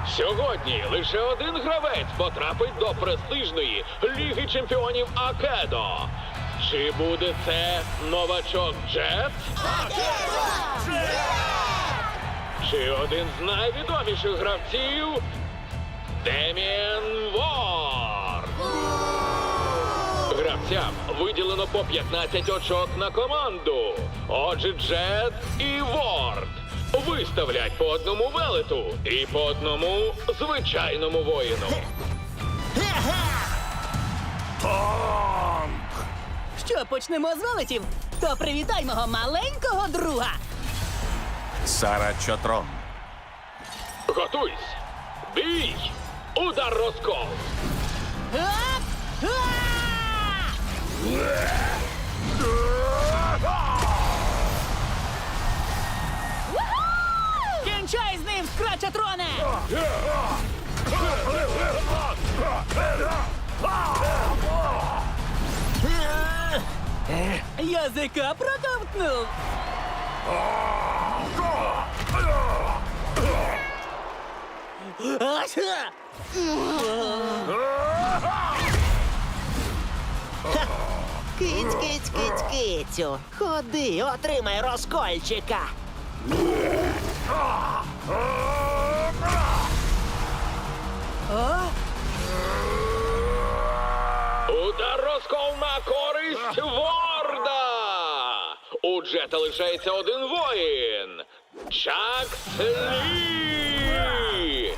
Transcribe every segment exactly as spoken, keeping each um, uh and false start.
Сьогодні лише один гравець потрапить до престижної Ліги чемпіонів Акедо. Чи буде це новачок Джет? Чи один з найвідоміших гравців Деміен Ворд? Гравцям виділено по п'ятнадцять очок на команду. Отже, Джет і Ворд виставлять по одному велету і по одному звичайному воїну. Що, почнемо з велетів? То привітай мого маленького друга. Сара Чотрон. Готуйсь! Бій! Удар розкол! Ап! Уху! Кінчай з ним, Скрачатроне! Язика проковтнув! Ася! Киць, киць, киць, кицю. Ходи, отримай розкольчика. О! Удар розкол на користь Ворда! У Джета лишається один воїн. Чакс Лі!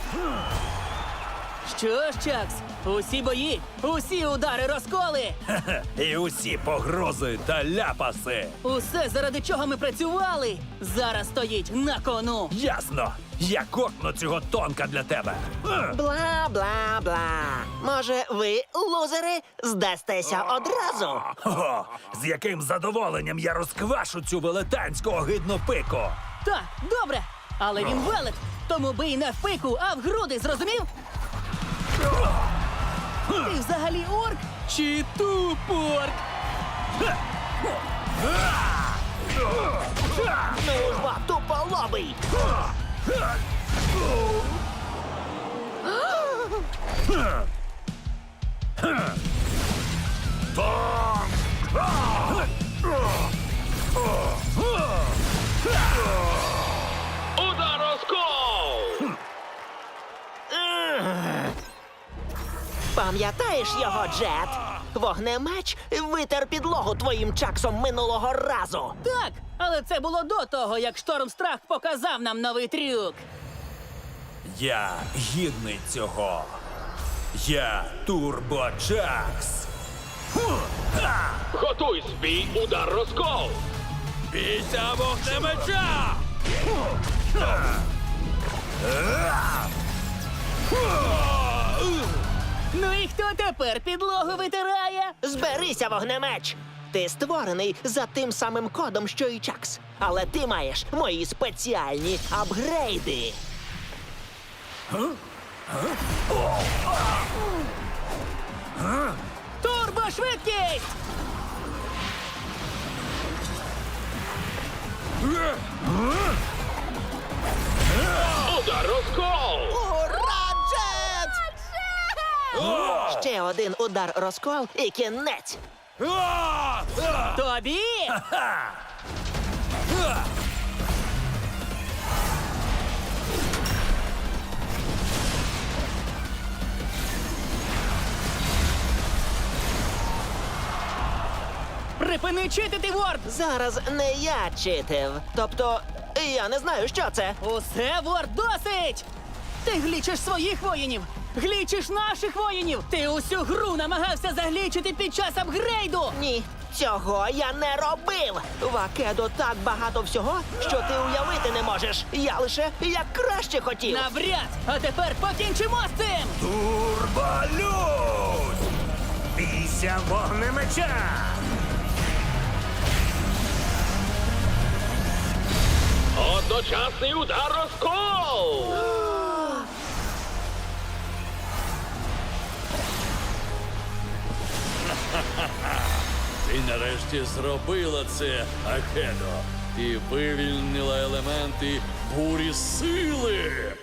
Що ж, Чакс, усі бої, усі удари розколи. І усі погрози та ляпаси. Усе, заради чого ми працювали, зараз стоїть на кону. Ясно. Я кокну цього тонка для тебе. Бла-бла-бла. Може, ви, лузери, здастеся одразу? О, з яким задоволенням я розквашу цю велетанську огидну пику. Так, добре, але він велет, тому бий не в пику, а в груди, зрозумів? Ти взагалі орк чи тупорк? Ну ж бо, туполобий! Удар розкол! Пам'ятаєш його, Джет? Вогнемеч витер підлогу твоїм чаксом минулого разу. Так, але це було до того, як Штормстрах показав нам новий трюк. Я гідний цього. Я Турбочакс. Готуйсь, бій, удар розкол! Бійся вогнемеча! Ну і хто тепер підлогу витирає? Зберися, вогнемеч! Ти створений за тим самим кодом, що і Чакс. Але ти маєш мої спеціальні апгрейди. Турбошвидкість! Удар розкол! Ура, Джет! Ще один удар розкол і кінець. Тобі! Припини читити, Ворд! Зараз не я читив. Тобто, я не знаю, що це. Усе, Ворд, досить! Ти глічиш своїх воїнів! Глічиш наших воїнів! Ти усю гру намагався заглічити під час апгрейду! Ні, цього я не робив. В Акедо так багато всього, що ти уявити не можеш. Я лише як краще хотів. Навряд! А тепер покінчимо з цим! Турболюд! Бійся вогнемеча! Одночасний удар розкол! Ти нарешті зробила це, Акедо. Ти вивільнила елементи бурі сили.